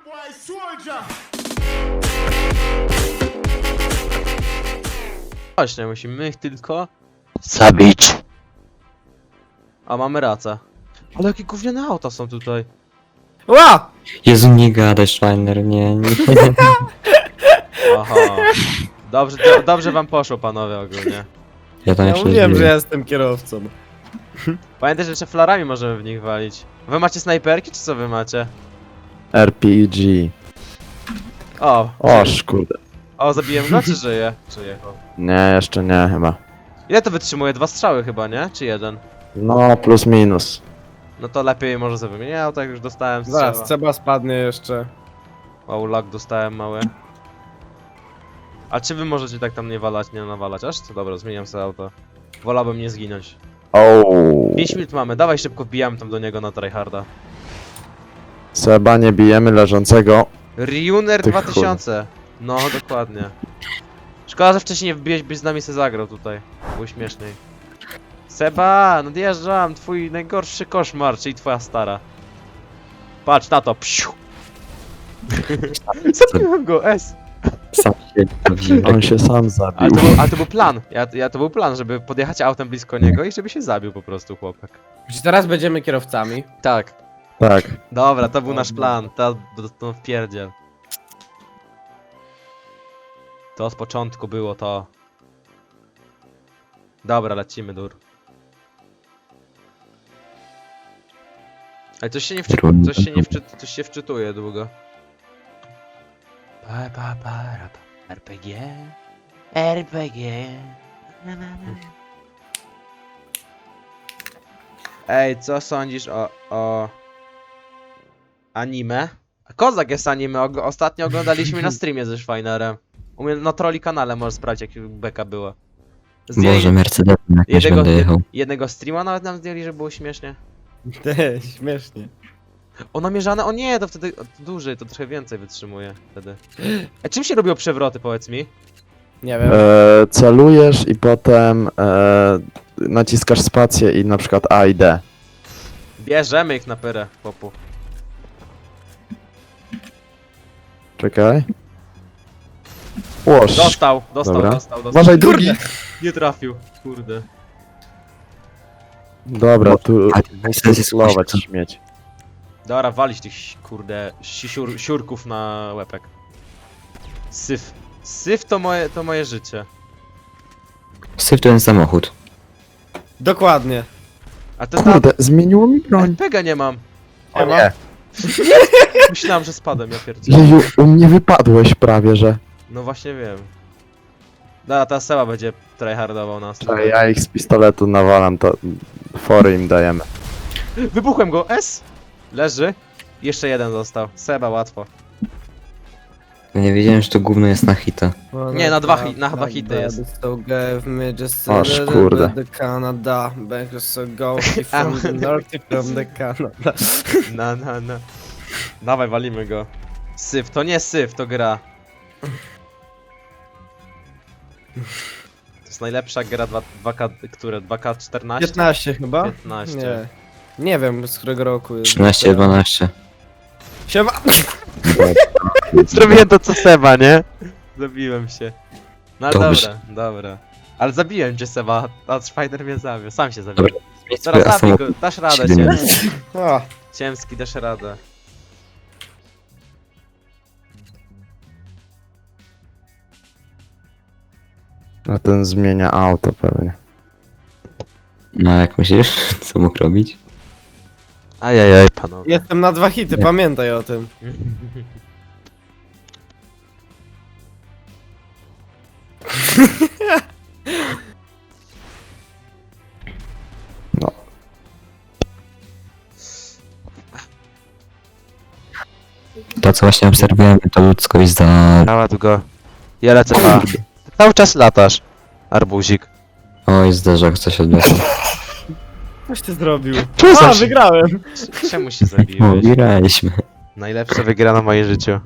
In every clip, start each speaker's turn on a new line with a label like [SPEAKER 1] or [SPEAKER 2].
[SPEAKER 1] Właśnie, musimy ich tylko zabić. A mamy rację. Ale jakie gówniane auta są tutaj.
[SPEAKER 2] Ła!
[SPEAKER 3] Jezu, nie gadaj, Schreiner, nie.
[SPEAKER 1] Aha. Dobrze, dobrze wam poszło, panowie, ogólnie.
[SPEAKER 3] Ja tam
[SPEAKER 2] Ja
[SPEAKER 3] jeszcze
[SPEAKER 2] mówiłem, że
[SPEAKER 3] zbiję.
[SPEAKER 2] ja jestem kierowcą.
[SPEAKER 1] Pamiętaj, że jeszcze flarami możemy w nich walić. Wy macie snajperki, czy co wy macie?
[SPEAKER 4] RPG.
[SPEAKER 1] O,
[SPEAKER 4] O, kurde.
[SPEAKER 1] o, zabiłem go, czy żyje? Żyje.
[SPEAKER 4] Nie, jeszcze nie chyba.
[SPEAKER 1] Ile to wytrzymuje? 2 strzały chyba, nie? Czy 1?
[SPEAKER 4] No, plus minus.
[SPEAKER 1] No to lepiej może sobie wymienić. Ja tak już dostałem
[SPEAKER 2] Zaraz,
[SPEAKER 1] strzała.
[SPEAKER 2] Seba spadnie jeszcze.
[SPEAKER 1] Wow, lag dostałem mały. A czy wy możecie tak tam nie walać, nie nawalać? Aż to dobra, zmieniam sobie auto. Wolałbym nie zginąć.
[SPEAKER 4] Ouu.
[SPEAKER 1] 5 minut mamy, dawaj szybko wbijamy tam do niego na tryharda.
[SPEAKER 4] Seba, nie bijemy leżącego.
[SPEAKER 1] Ryuner
[SPEAKER 4] Ty
[SPEAKER 1] 2000. No, dokładnie. Szkoda, że wcześniej nie wbiłeś, byś z nami se zagrał tutaj. Było śmieszniej. Seba, nadjeżdżam, twój najgorszy koszmar, czyli twoja stara. Patrz na to, psiu! Zabiłem go, S!
[SPEAKER 3] Sam się bawiłem.
[SPEAKER 4] On się sam zabił.
[SPEAKER 1] Ale to był plan, to był plan, żeby podjechać autem blisko niego i żeby się zabił po prostu chłopak.
[SPEAKER 2] Czy teraz będziemy kierowcami?
[SPEAKER 1] Tak,
[SPEAKER 4] Tak.
[SPEAKER 1] dobra, to był nasz plan, to wpierdziel. To od początku było to. Dobra, lecimy, dur. Ale coś się nie coś się wczytuje długo. RPG. RPG. Na, na, na. Ej, co sądzisz o anime? Kozak jest anime, ostatnio oglądaliśmy na streamie ze Schweinerem. U mnie na troli kanale możesz sprawdzić, jak beka była.
[SPEAKER 3] Boże, Mercedes jakoś będę jechał.
[SPEAKER 1] jednego streama nawet nam zdjęli, że było śmiesznie.
[SPEAKER 2] Te, śmiesznie.
[SPEAKER 1] O, namierzane, o nie, to wtedy dłużej, to trochę więcej wytrzymuje wtedy. A czym się robią przewroty, powiedz mi?
[SPEAKER 2] Nie wiem.
[SPEAKER 4] Celujesz i potem naciskasz spację i na przykład A i D.
[SPEAKER 1] Bierzemy ich na pyrę, popu.
[SPEAKER 4] Czekaj. Łoż.
[SPEAKER 1] Dostał.
[SPEAKER 4] Dobra.
[SPEAKER 1] Dostał.
[SPEAKER 4] Uważaj, drugi.
[SPEAKER 1] Nie trafił, kurde.
[SPEAKER 4] Dobra, tu
[SPEAKER 3] Ale
[SPEAKER 4] muszę
[SPEAKER 3] jest
[SPEAKER 4] slować
[SPEAKER 3] kuśka.
[SPEAKER 4] śmieć.
[SPEAKER 1] Dobra, walić tych, kurde, siurków na łepek. Syf. Syf to moje życie.
[SPEAKER 3] Syf to ten samochód.
[SPEAKER 2] Dokładnie.
[SPEAKER 1] A to ta...
[SPEAKER 4] Kurde, zmieniło mi broń.
[SPEAKER 1] RPGa nie mam.
[SPEAKER 4] O nie.
[SPEAKER 1] Myślałem, że spadłem, ja pierdzielę.
[SPEAKER 4] Jeju, u mnie wypadłeś prawie, że.
[SPEAKER 1] No właśnie wiem. Dobra, ta Seba będzie tryhardował nas.
[SPEAKER 4] Czekaj, ja ich z pistoletu nawalam, to fory im dajemy.
[SPEAKER 1] Wybuchłem go, S! Leży. Jeszcze jeden został. Seba, łatwo.
[SPEAKER 3] Ja nie wiedziałem, że to gówno jest na hita.
[SPEAKER 1] Nie, na dwa hity jest.
[SPEAKER 2] So gave me just
[SPEAKER 4] Oż, kurde.
[SPEAKER 2] the Canada, back so go from the north from the Canada.
[SPEAKER 1] Na. Dawaj, walimy go. Syf, to nie syf, to gra. To jest najlepsza gra 2K, które? 2K14?
[SPEAKER 2] 15 chyba?
[SPEAKER 1] 15.
[SPEAKER 2] Nie. Nie wiem z którego roku jest.
[SPEAKER 3] 13, 12.
[SPEAKER 2] Siema!
[SPEAKER 1] Zrobiłem to co Seba, nie? Zabiłem się. No
[SPEAKER 3] Dobrze.
[SPEAKER 1] dobra. Ale zabiłem cię Seba, a Spider mnie zabił, sam się zabił.
[SPEAKER 3] Dobra.
[SPEAKER 1] Teraz
[SPEAKER 3] A
[SPEAKER 1] zabij
[SPEAKER 3] samochód
[SPEAKER 1] go, dasz radę,
[SPEAKER 3] 17.
[SPEAKER 2] O,
[SPEAKER 1] Ciemski, dasz radę.
[SPEAKER 4] A ten zmienia auto pewnie.
[SPEAKER 3] No jak myślisz, co mógł robić?
[SPEAKER 1] Ajajaj, panowie.
[SPEAKER 2] jestem na 2 hity, pamiętaj o tym.
[SPEAKER 4] No.
[SPEAKER 3] To co właśnie obserwujemy, to ludzkość za...
[SPEAKER 1] Nawet go. Ja lecę A. Cały czas latasz. Arbuzik.
[SPEAKER 3] Oj, zderzak, coś odniosło.
[SPEAKER 2] Coś ty zrobił.
[SPEAKER 1] Co
[SPEAKER 2] A, wygrałem!
[SPEAKER 1] Czemu się
[SPEAKER 3] O,
[SPEAKER 1] zabiłeś?
[SPEAKER 3] graliśmy.
[SPEAKER 1] Najlepsza wygrana w moim życiu.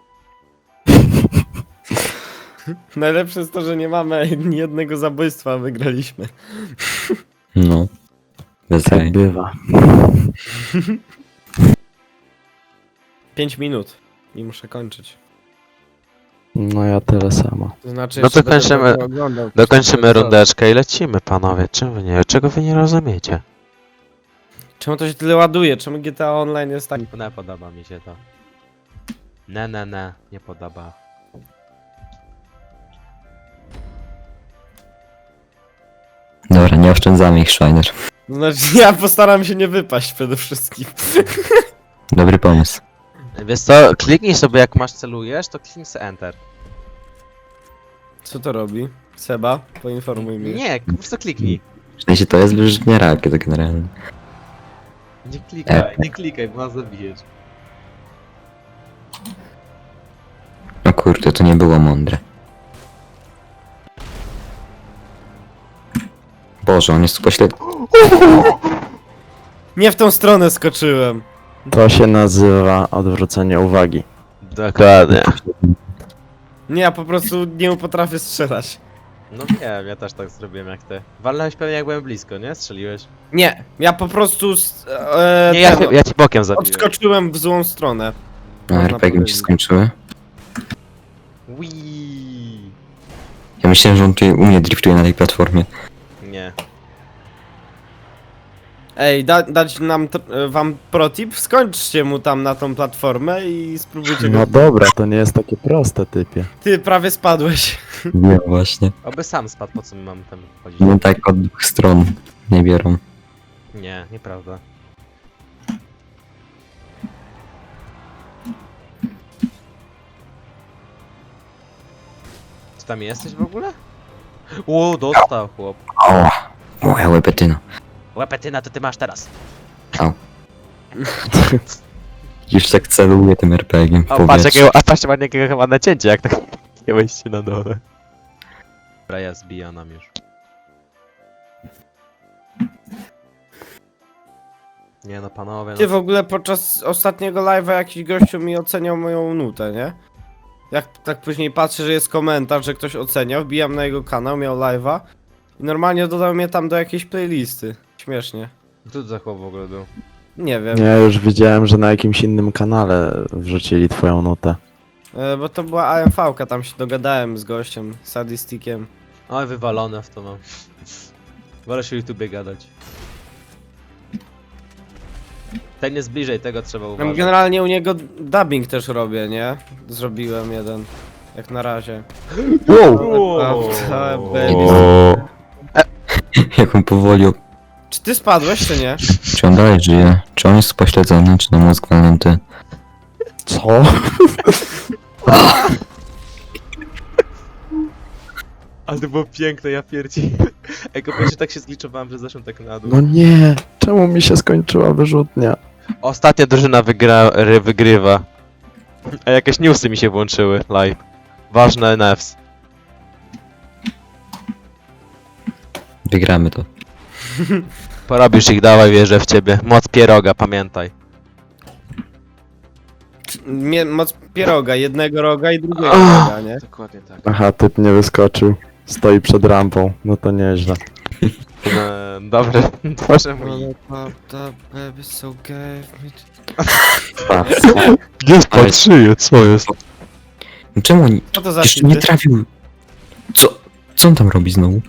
[SPEAKER 2] Najlepsze jest to, że nie mamy ani jednego zabójstwa, a wygraliśmy.
[SPEAKER 3] No. Bez
[SPEAKER 4] Tak
[SPEAKER 3] jaj.
[SPEAKER 4] bywa.
[SPEAKER 2] 5 minut. I muszę kończyć.
[SPEAKER 4] No ja tyle samo.
[SPEAKER 2] To znaczy,
[SPEAKER 1] No to
[SPEAKER 2] jeszcze będę
[SPEAKER 1] kończymy-
[SPEAKER 2] tego oglądał.
[SPEAKER 1] Dokończymy rundeczkę i lecimy, panowie. Czego wy nie rozumiecie?
[SPEAKER 2] Czemu to się tyle ładuje? Czemu GTA Online jest tak?
[SPEAKER 1] Nie podoba mi się to. Nie podoba.
[SPEAKER 3] Dobra, nie oszczędzamy ich, Shiner.
[SPEAKER 2] Znaczy, ja postaram się nie wypaść przede wszystkim.
[SPEAKER 3] Dobry pomysł.
[SPEAKER 1] Wiesz co, kliknij sobie jak masz celujesz, to kliknij sobie Enter.
[SPEAKER 2] Co to robi? Seba, poinformuj mnie.
[SPEAKER 1] Nie, po prostu kliknij.
[SPEAKER 3] W sensie to jest wyrzutnia rakiet generalnie.
[SPEAKER 1] Nie klikaj, bo nas zabijesz.
[SPEAKER 3] O kurde, to nie było mądre. Boże, on jest tu pośled...
[SPEAKER 2] Nie w tą stronę skoczyłem.
[SPEAKER 4] To się nazywa odwrócenie uwagi.
[SPEAKER 1] Dokładnie.
[SPEAKER 2] Nie, ja po prostu nie potrafię strzelać.
[SPEAKER 1] No wiem, ja też tak zrobiłem jak ty. Walnąłeś pewnie jak byłem blisko, nie? Strzeliłeś?
[SPEAKER 2] Nie, ja po prostu
[SPEAKER 1] Nie, ja ci bokiem zabiłem.
[SPEAKER 2] odskoczyłem w złą stronę.
[SPEAKER 3] A
[SPEAKER 2] Można
[SPEAKER 3] RPG mi się
[SPEAKER 2] powiedzieć.
[SPEAKER 3] skończyły.
[SPEAKER 1] Wii.
[SPEAKER 3] Ja myślałem, że on tu u mnie driftuje na tej platformie.
[SPEAKER 1] Nie.
[SPEAKER 2] Ej, dać nam wam protip? Skończcie mu tam na tą platformę i spróbujcie
[SPEAKER 4] No
[SPEAKER 2] go...
[SPEAKER 4] dobra, to nie jest takie proste, typie.
[SPEAKER 2] Ty prawie spadłeś.
[SPEAKER 3] Nie, właśnie.
[SPEAKER 1] Oby sam spadł, po co my mamy tam chodzić?
[SPEAKER 3] No tak od dwóch stron nie biorą.
[SPEAKER 1] Nie, nieprawda. Czy tam jesteś w ogóle? O, dostał chłop.
[SPEAKER 3] O! Moja łepetyna.
[SPEAKER 1] Łepetyna to ty masz teraz.
[SPEAKER 3] Już tak celuję tym RPG-iem w
[SPEAKER 1] O, patrz
[SPEAKER 3] powietrzu.
[SPEAKER 1] patrz jakiego chyba nacięcie, jak tak nie wejście na dole. Dobra, ja zbija nam już. Nie no panowie,
[SPEAKER 2] Ty
[SPEAKER 1] no.
[SPEAKER 2] w ogóle podczas ostatniego live'a jakiś gościu mi oceniał moją nutę, nie? Jak tak później patrzę, że jest komentarz, że ktoś oceniał, wbijam na jego kanał, miał live'a i normalnie dodał mnie tam do jakiejś playlisty. Śmiesznie.
[SPEAKER 1] Co to za chłop w ogóle był?
[SPEAKER 2] Nie wiem,
[SPEAKER 4] Ja już widziałem, że na jakimś innym kanale wrzucili twoją nutę.
[SPEAKER 2] bo to była AMV-ka, tam się dogadałem z gościem, sadistikiem.
[SPEAKER 1] Oj, wywalone w to mam. Wolę się o YouTubie gadać. Ten jest bliżej, tego trzeba
[SPEAKER 2] Tam
[SPEAKER 1] uważać.
[SPEAKER 2] generalnie u niego dubbing też robię, nie? Zrobiłem jeden. Jak na razie.
[SPEAKER 1] Wow.
[SPEAKER 3] Jak on powoli...
[SPEAKER 2] Czy ty spadłeś, czy nie?
[SPEAKER 3] Czy on dalej żyje? Czy on jest pośledzony, czy na mózg walnięty?
[SPEAKER 4] Co?
[SPEAKER 1] Ale to było piękne, ja pierdzi. Ej, pierwszy tak się zgliczowałem, że zeszłem tak na dół.
[SPEAKER 4] No nie! Czemu mi się skończyła wyrzutnia?
[SPEAKER 1] Ostatnia drużyna wygrywa. A jakieś newsy mi się włączyły live. Ważne NFs.
[SPEAKER 3] Wygramy to.
[SPEAKER 1] Porobisz ich, dawaj, wierzę w ciebie. Moc pieroga, pamiętaj.
[SPEAKER 2] Moc pieroga, jednego roga i drugiego roga, nie?
[SPEAKER 1] Dokładnie tak.
[SPEAKER 4] Aha, typ nie wyskoczył. Stoi przed rampą. No to nieźle.
[SPEAKER 1] Dobre, Boże mój.
[SPEAKER 3] Gdzie
[SPEAKER 1] patrzyję, co jest?
[SPEAKER 3] No czemu on
[SPEAKER 2] Co to za
[SPEAKER 3] jeszcze nie
[SPEAKER 2] cheaty?
[SPEAKER 3] trafił? Co on tam robi znowu?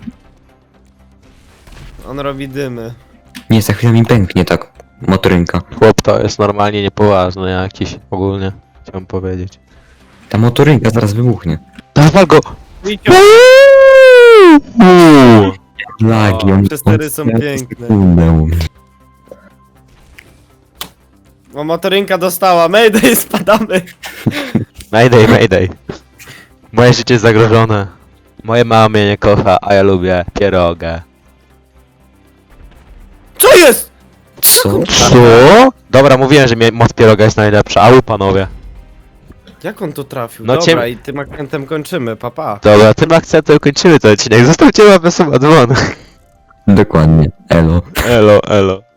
[SPEAKER 2] On robi dymy.
[SPEAKER 3] Nie, za chwilę mi pęknie tak motorynka.
[SPEAKER 1] Chłop to jest normalnie niepoważny jakiś, ogólnie. Chciałem powiedzieć.
[SPEAKER 3] Ta motorynka zaraz wybuchnie.
[SPEAKER 1] Dawaj go!
[SPEAKER 3] Lagi, on...
[SPEAKER 2] Przestery
[SPEAKER 3] on
[SPEAKER 2] są
[SPEAKER 3] strzela
[SPEAKER 2] piękne.
[SPEAKER 3] sekundę u mnie.
[SPEAKER 2] O, motorynka dostała. Mayday, spadamy.
[SPEAKER 1] Mayday, mayday. Moje życie jest zagrożone. Moje mama mnie nie kocha, a ja lubię pierogę.
[SPEAKER 2] Co jest?
[SPEAKER 3] Co?
[SPEAKER 1] Co? Dobra, mówiłem, że moc pieroga jest najlepsza, a wy panowie.
[SPEAKER 2] Jak on to trafił?
[SPEAKER 1] No
[SPEAKER 2] Dobra, i tym akcentem kończymy, papa.
[SPEAKER 1] Dobra, tym akcentem kończymy ten odcinek. Zostawcie łapę suba dzwon.
[SPEAKER 3] Dokładnie. Elo.
[SPEAKER 1] Elo, elo.